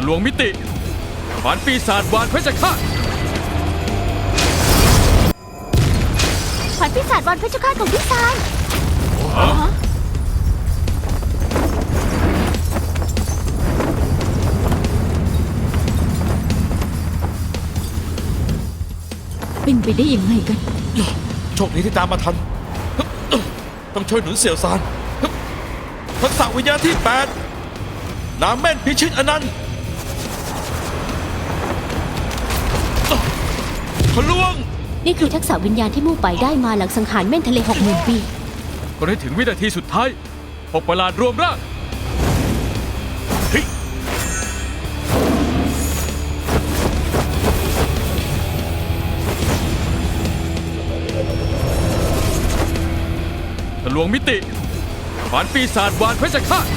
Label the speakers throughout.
Speaker 1: ลวงมิติขวานปีศาจวานเพชรฆาต
Speaker 2: ขวัญปีศาจวันเพชรฆาตของพี่ซาน
Speaker 3: เป็นไปได้ยังไงกัน
Speaker 4: โชคดีที่ตามมาทัน ต้องช่วยหนุนเสี่ยวซานทักษะวิญญาณที่ 8น้ำแม่นพิชิตอนันต์ทะลวง
Speaker 2: นี่คือทักษะวิญญาณที่มู่ไปได้มาหลังสังหารแม่นทะเล60,000 ปี
Speaker 1: ก็ได้ถึงวินาทีสุดท้ายหกประหลาดรวมร่างทะลวงมิติขวานปีศาจวานเพชรฆาต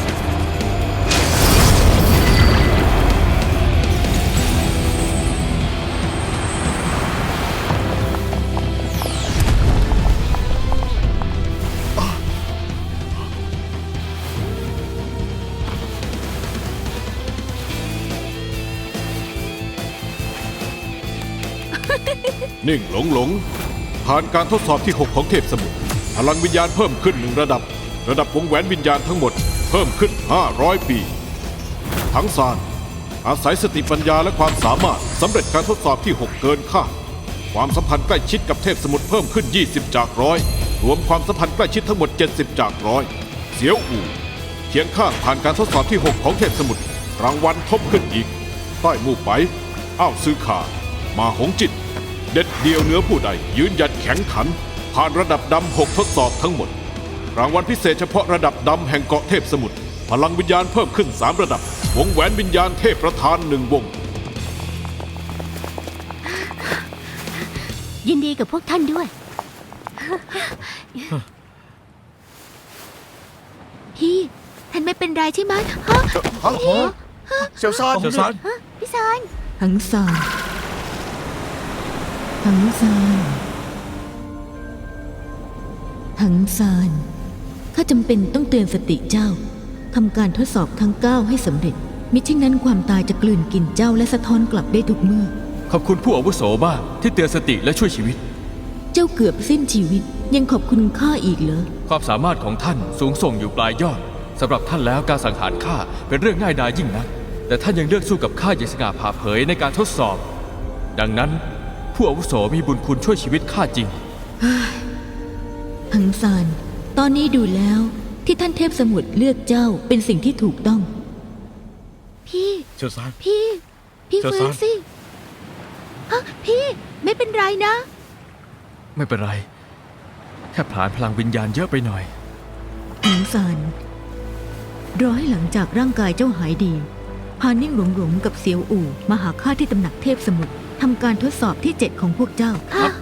Speaker 5: นิ่งหลงผ่านการทดสอบที่ 6 ของเทพสมุทรพลังวิญญาณเพิ่มขึ้น1 ระดับวงแหวนวิญญาณทั้งหมดเพิ่มขึ้น500 ปีทั้งซานอาศัยสติปัญญาและความสามารถสำเร็จการทดสอบที่ 6 เกินคาดความสัมพันธ์ใกล้ชิดกับเทพสมุทรเพิ่มขึ้น20 จาก100รวมความสัมพันธ์ใกล้ชิดทั้งหมด70 จาก100เสียวอู่เคียงข้างผ่านการทดสอบที่ 6 ของเทพสมุทรรางวัลทบขึ้นอีกใต้มู่ไปอ้าวซื้อขามาหงจิตเด็ดเดียวเหนือผู้ใดยืนหยัดแข็งขันผ่านระดับดำ6 ทดสอบทั้งหมดรางวัลพิเศษเฉพาะระดับดำแห่งเกาะเทพสมุทรพลังวิญญาณเพิ่มขึ้น3 ระดับวงแหวนวิญญาณเทพประธาน1 วง
Speaker 2: ยินดีกับพวกท่านด้วย พี่ท่านไม่เป็นไรใช่ไหมฮะ
Speaker 4: เสี่ยวซาน
Speaker 2: พี่ซาน
Speaker 3: หังซานหังซานหังซานข้าจำเป็นต้องเตือนสติเจ้าทำการทดสอบทั้ง 9ให้สำเร็จมิฉะนั้นความตายจะกลืนกินเจ้าและสะท้อนกลับได้ทุกเมื่อ
Speaker 1: ขอบคุณผู้อาวุโสบ้างที่เตือนสติและช่วยชีวิต
Speaker 3: เจ้าเกือบสิ้นชีวิตยังขอบคุณข้าอีกเหรอ
Speaker 1: ความสามารถของท่านสูงส่งอยู่ปลายยอดสำหรับท่านแล้วการสังหารข้าเป็นเรื่องง่ายดายยิ่งนักแต่ท่านยังเลือกสู้กับข้าอย่างสง่าผ่าเผยในการทดสอบดังนั้นผู้อาวุโสมีบุญคุณช่วยชีวิตข้าจริง
Speaker 3: หังซานตอนนี้ดูแล้วที่ท่านเทพสมุทรเลือกเจ้าเป็นสิ่งที่ถูกต้อง
Speaker 2: พี่
Speaker 4: เสี่ยวซาน
Speaker 2: พี่
Speaker 4: เจ้า
Speaker 2: ฟื้
Speaker 4: ซาน
Speaker 2: นสิฮะพี่ไม่เป็นไรนะ
Speaker 1: ไม่เป็นไรแค่ผลาญพลังวิญญาณเยอะไปหน่อย
Speaker 3: หังซานรอให้หลังจากร่างกายเจ้าหายดีพานิ่งหลงกับเสียวอู่มาหาข้าที่ตำหนักเทพสมุทรทำการทดสอบที่ 7ของพวกเจ้า
Speaker 2: ค่ะ